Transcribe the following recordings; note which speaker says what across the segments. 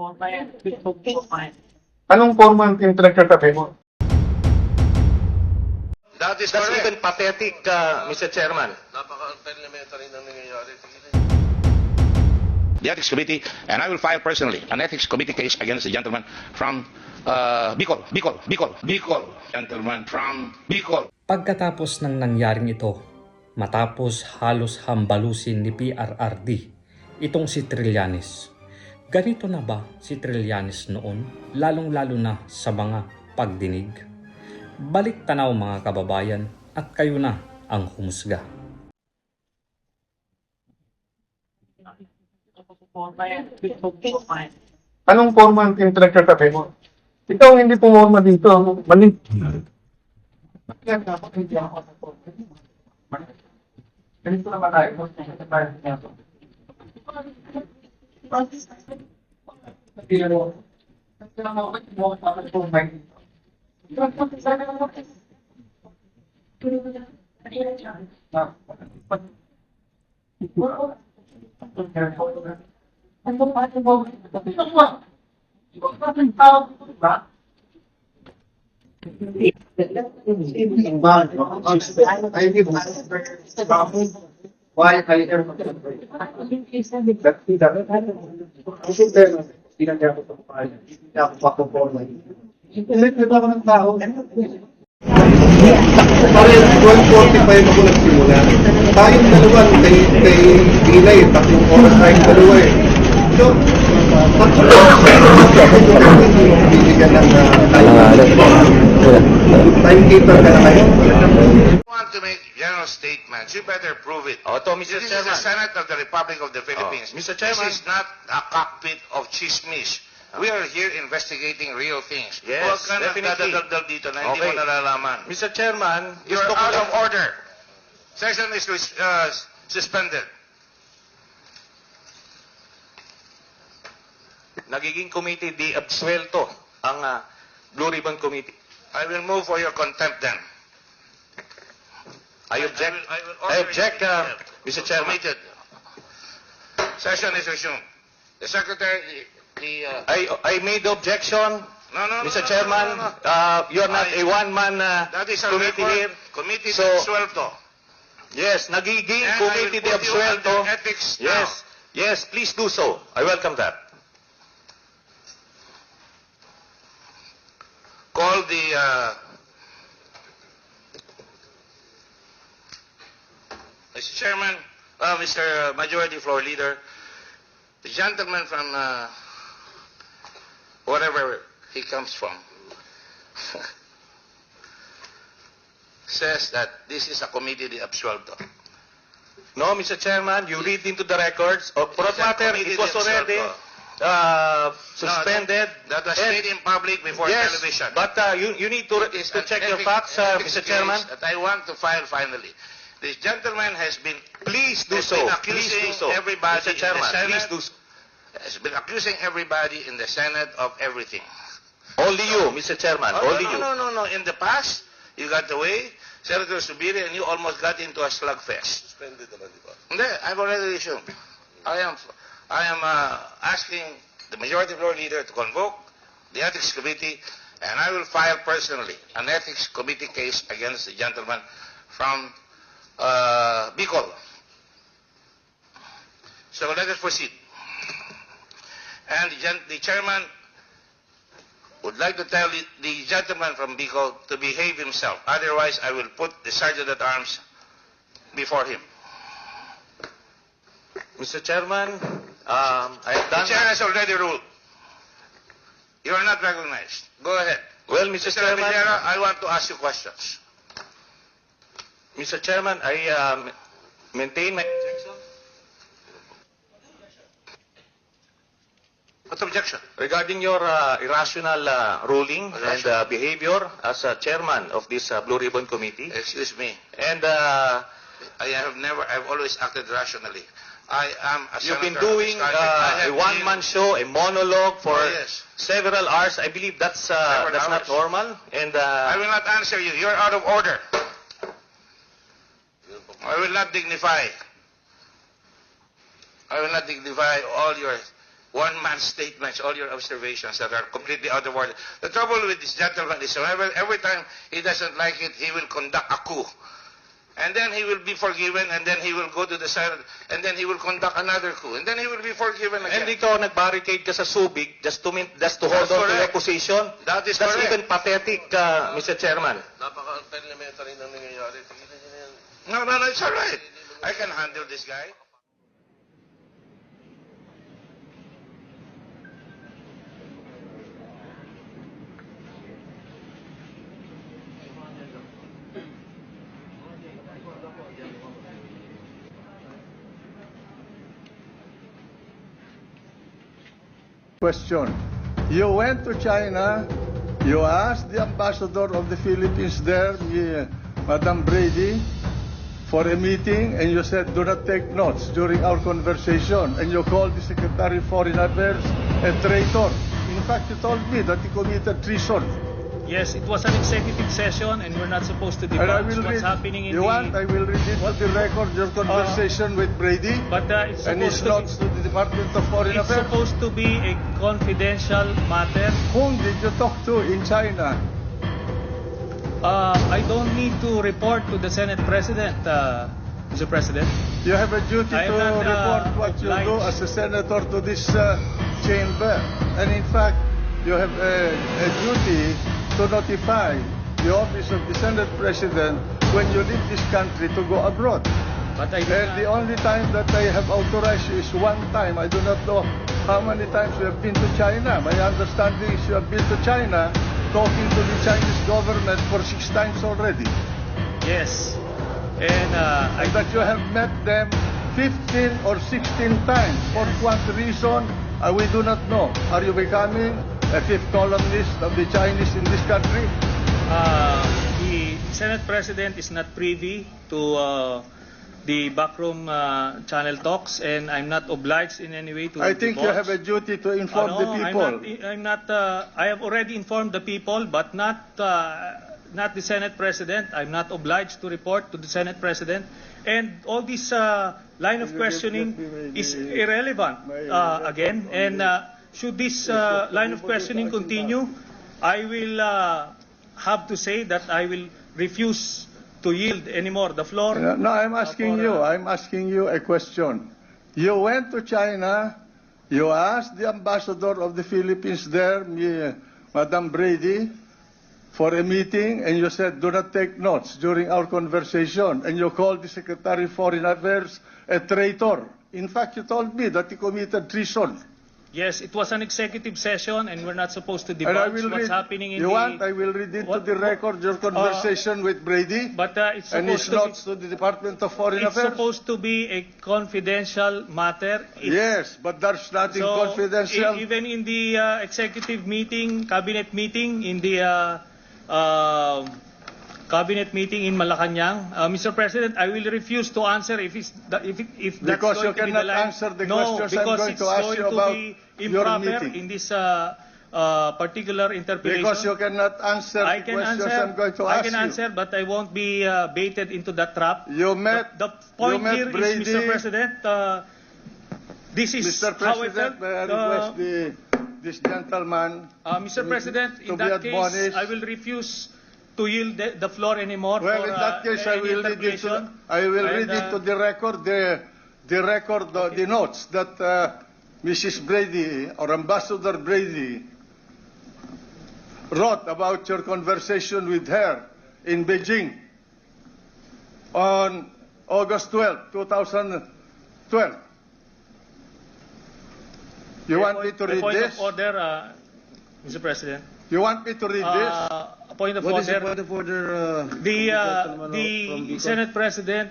Speaker 1: Anong forma ang pinagkatabi mo?
Speaker 2: That's even pathetic, Mr. Chairman.
Speaker 3: Napaka-elementary na nangyayari.
Speaker 4: The Ethics Committee, and I will file personally an Ethics Committee case against the gentleman from Bicol. Gentleman from Bicol.
Speaker 5: Pagkatapos ng nangyaring ito, matapos halos hambalusin ni PRRD itong si Trillanes. Ganito na ba si Trillanes noon, lalong-lalo na sa mga pagdinig? Balik tanaw mga kababayan at kayo na ang humusga.
Speaker 1: Anong forma ang pinagkatabi mo? Ikaw ang hindi pumorma dito. Mali. Ganito naman tayo.
Speaker 3: Parang 12:45 ako nagsimula. Tayong dalawa, kay Ilay, 3 oras tayong dalawa eh. So, bibigyan ng timekeeper ka na kayo.
Speaker 2: If you want to make general statements, you better prove it.
Speaker 4: Mr.
Speaker 2: This is
Speaker 4: Chairman.
Speaker 2: the Senate of the Republic of the Philippines.
Speaker 4: Mr. Chairman.
Speaker 2: This is not a cockpit of chismis. We are here investigating real things.
Speaker 4: Yes,
Speaker 2: Huwag ka na
Speaker 4: definitely.
Speaker 2: dadaldal dito na hindi
Speaker 4: Okay.
Speaker 2: mo nalalaman.
Speaker 4: Mr. Chairman,
Speaker 2: You're out of order. Session is suspended.
Speaker 4: nagiging committee di absuelto ang Blue Ribbon Committee.
Speaker 2: I will move for your contempt then.
Speaker 4: I object.
Speaker 2: I will
Speaker 4: I object, Mr. Chairman.
Speaker 2: Committed. Session is resumed. The Secretary,
Speaker 4: I made the objection, Mr. Chairman. You're not a one-man
Speaker 2: that is a
Speaker 4: committee here.
Speaker 2: Committee
Speaker 4: So,
Speaker 2: absuelto.
Speaker 4: Yes, nagiging
Speaker 2: And
Speaker 4: committee di
Speaker 2: I will put you
Speaker 4: absuelto.
Speaker 2: under ethics now.
Speaker 4: Yes, yes, please do so. I welcome that.
Speaker 2: Call the Mr. Chairman, Mr. Majority Floor Leader, the gentleman from wherever he comes from says that this is a committee de absuelto.
Speaker 4: No, Mr. Chairman, you read into the records. For that matter, it was already suspended.
Speaker 2: That was
Speaker 4: And-
Speaker 2: made in public before
Speaker 4: Yes,
Speaker 2: television.
Speaker 4: but you need to
Speaker 2: It is
Speaker 4: check
Speaker 2: an
Speaker 4: your facts,
Speaker 2: ethics
Speaker 4: Mr. Chairman.
Speaker 2: case that I want to file finally. This gentleman has been
Speaker 4: Please do
Speaker 2: has
Speaker 4: so.
Speaker 2: been
Speaker 4: Please
Speaker 2: accusing
Speaker 4: do so.
Speaker 2: everybody
Speaker 4: Mr. Chairman,
Speaker 2: in the Senate,
Speaker 4: please do so.
Speaker 2: has been accusing everybody in the Senate of everything.
Speaker 4: Only you, Mr. Chairman.
Speaker 2: Oh,
Speaker 4: Only you.
Speaker 2: no. In the past, you got away, Senator Subiri, and you almost got into a slugfest.
Speaker 3: Suspended naman, di ba?
Speaker 2: Hindi, I've already resumed. I am asking the Majority Floor Leader to convoke the Ethics Committee, and I will file personally an Ethics Committee case against the gentleman from Bicol. So let us proceed. And the chairman would like to tell the gentleman from Bicol to behave himself. Otherwise, I will put the Sergeant at Arms before him.
Speaker 4: Mr. Chairman, I have
Speaker 2: The
Speaker 4: done...
Speaker 2: chair has already ruled. You are not recognized. Go ahead.
Speaker 4: Well, Mr.
Speaker 2: Mr.
Speaker 4: Chairman,
Speaker 2: Rivera, I want to ask you questions.
Speaker 4: Mr. Chairman, I maintain my objection
Speaker 2: What objection?
Speaker 4: regarding your irrational ruling and behavior as chairman of this Blue Ribbon Committee.
Speaker 2: Excuse me.
Speaker 4: And
Speaker 2: I've always acted rationally. I am a
Speaker 4: you've been
Speaker 2: senator of this
Speaker 4: doing
Speaker 2: country. I
Speaker 4: a
Speaker 2: have
Speaker 4: one-man show, a monologue for
Speaker 2: Oh, yes.
Speaker 4: several hours. I believe that's not
Speaker 2: hours.
Speaker 4: normal. And
Speaker 2: I will not answer you. You're out of order. I will not dignify. I will not dignify all your one-man statements, all your observations that are completely out of order. The trouble with this gentleman is every time he doesn't like it, he will conduct a coup. And then he will be forgiven, and then he will go to the Senate, and then he will conduct another coup, and then he will be forgiven again.
Speaker 6: And ikaw nag-barricade ka sa Subic just to hold
Speaker 2: That's
Speaker 6: on to your
Speaker 2: correct.
Speaker 6: position.
Speaker 2: That is
Speaker 6: That's
Speaker 2: correct.
Speaker 6: even pathetic, Mr. Chairman.
Speaker 3: Napaka-elementary ng nangyayari. Tigilan niyo na yan.
Speaker 2: No, it's all right. I can handle this guy.
Speaker 7: Question. You went to China, you asked the ambassador of the Philippines there, Madam Brady, for a meeting, and you said, do not take notes during our conversation, and you called the Secretary of Foreign Affairs a traitor. In fact, you told me that he committed treason.
Speaker 8: Yes, it was an executive session and we're not supposed to
Speaker 7: And I
Speaker 8: divulge
Speaker 7: will
Speaker 8: what's
Speaker 7: read,
Speaker 8: happening in
Speaker 7: you want, I will read it to the record, your conversation with Brady,
Speaker 8: But it's
Speaker 7: and his
Speaker 8: supposed
Speaker 7: notes to the Department of Foreign
Speaker 8: it's
Speaker 7: Affairs.
Speaker 8: supposed to be a confidential matter.
Speaker 7: Whom did you talk to in China?
Speaker 8: I don't need to report to the Senate President, Mr. President.
Speaker 7: You have a duty
Speaker 8: I
Speaker 7: to
Speaker 8: am not,
Speaker 7: report what you do
Speaker 8: obliged.
Speaker 7: as a senator to this chamber. And in fact, you have a duty to notify the office of the Senate President when you leave this country to go abroad.
Speaker 8: But I
Speaker 7: And the only time that I have authorized you is one time. I do not know how many times you have been to China. My understanding is you have been to China talking to the Chinese government for 6 times already.
Speaker 8: Yes. And
Speaker 7: And that you have met them 15 or 16 times. For what reason, we do not know. Are you becoming a fifth columnist of the Chinese in this country?
Speaker 8: the Senate President is not privy to the backroom channel talks, and I'm not obliged in any way to
Speaker 7: I think you
Speaker 8: divulge.
Speaker 7: have a duty to inform
Speaker 8: No,
Speaker 7: the people.
Speaker 8: I'm not. I have already informed the people, but not the Senate President. I'm not obliged to report to the Senate President, and all this line of questioning is irrelevant again. And should this line of questioning continue, I will have to say that I will refuse to yield anymore the floor.
Speaker 7: No, I'm asking you a question. You went to China, you asked the ambassador of the Philippines there, Madam Brady, for a meeting, and you said, do not take notes during our conversation, and you called the Secretary of Foreign Affairs a traitor. In fact, you told me that he committed treason.
Speaker 8: Yes, it was an executive session, and we're not supposed to
Speaker 7: And I
Speaker 8: divulge
Speaker 7: will
Speaker 8: what's
Speaker 7: read,
Speaker 8: happening in
Speaker 7: you
Speaker 8: the.
Speaker 7: want, I will read it to
Speaker 8: What-
Speaker 7: the record, your conversation with Brady,
Speaker 8: But it's
Speaker 7: and his
Speaker 8: supposed
Speaker 7: notes to the Department of Foreign
Speaker 8: It's
Speaker 7: Affairs.
Speaker 8: supposed to be a confidential matter.
Speaker 7: Yes, but there's nothing confidential.
Speaker 8: Even in the executive meeting, cabinet meeting, in the cabinet meeting in Malacanang, Mr. President, I will refuse to answer if that's
Speaker 7: Because you
Speaker 8: going to be the
Speaker 7: cannot
Speaker 8: line.
Speaker 7: answer the
Speaker 8: No,
Speaker 7: questions I'm
Speaker 8: because
Speaker 7: going
Speaker 8: it's
Speaker 7: to ask
Speaker 8: going
Speaker 7: you
Speaker 8: to
Speaker 7: about
Speaker 8: be
Speaker 7: your
Speaker 8: improper
Speaker 7: meeting.
Speaker 8: in this particular interpretation.
Speaker 7: Because you cannot answer
Speaker 8: I
Speaker 7: the
Speaker 8: can
Speaker 7: questions
Speaker 8: answer.
Speaker 7: I'm going to
Speaker 8: I
Speaker 7: ask
Speaker 8: can
Speaker 7: you.
Speaker 8: answer, but I won't be baited into that trap.
Speaker 7: You met,
Speaker 8: The point
Speaker 7: you met
Speaker 8: here
Speaker 7: Brady.
Speaker 8: is, Mr. President, this is
Speaker 7: Mr.
Speaker 8: how I
Speaker 7: President,
Speaker 8: felt.
Speaker 7: may I request this gentleman
Speaker 8: Mr. President,
Speaker 7: to
Speaker 8: in
Speaker 7: be
Speaker 8: that case,
Speaker 7: admonished.
Speaker 8: I will refuse to yield the floor anymore.
Speaker 7: Well,
Speaker 8: for,
Speaker 7: in that case, I
Speaker 8: any
Speaker 7: will read it to,
Speaker 8: interpretation.
Speaker 7: read it to the record, the notes that Mrs. Brady or Ambassador Brady wrote about your conversation with her in Beijing on August 12, 2012. You want me to
Speaker 8: A
Speaker 7: read
Speaker 8: point
Speaker 7: this?
Speaker 8: of order, Mr. President.
Speaker 7: You want me to read this?
Speaker 8: A point of
Speaker 3: What is
Speaker 8: order.
Speaker 3: the point of order?
Speaker 8: The Senate President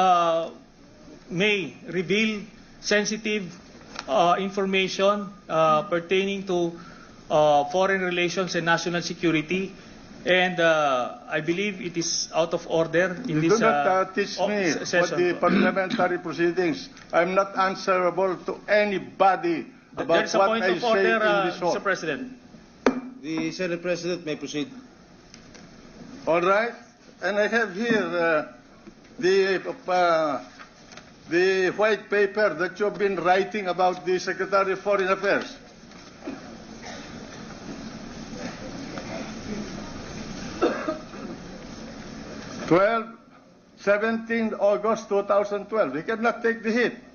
Speaker 8: may reveal sensitive information pertaining to foreign relations and national security, and I believe it is out of order in
Speaker 7: You
Speaker 8: this
Speaker 7: do not teach me
Speaker 8: session.
Speaker 7: what the parliamentary proceedings. I'm not answerable to anybody
Speaker 8: There
Speaker 7: about
Speaker 8: is a
Speaker 7: what
Speaker 8: point
Speaker 7: I
Speaker 8: of
Speaker 7: say
Speaker 8: order,
Speaker 7: in this
Speaker 8: Mr.
Speaker 7: hall.
Speaker 8: President.
Speaker 3: The Senate President may proceed.
Speaker 7: All right? And I have here the the white paper that you've been writing about the Secretary of Foreign Affairs? August 17, 2012. He cannot take the hit.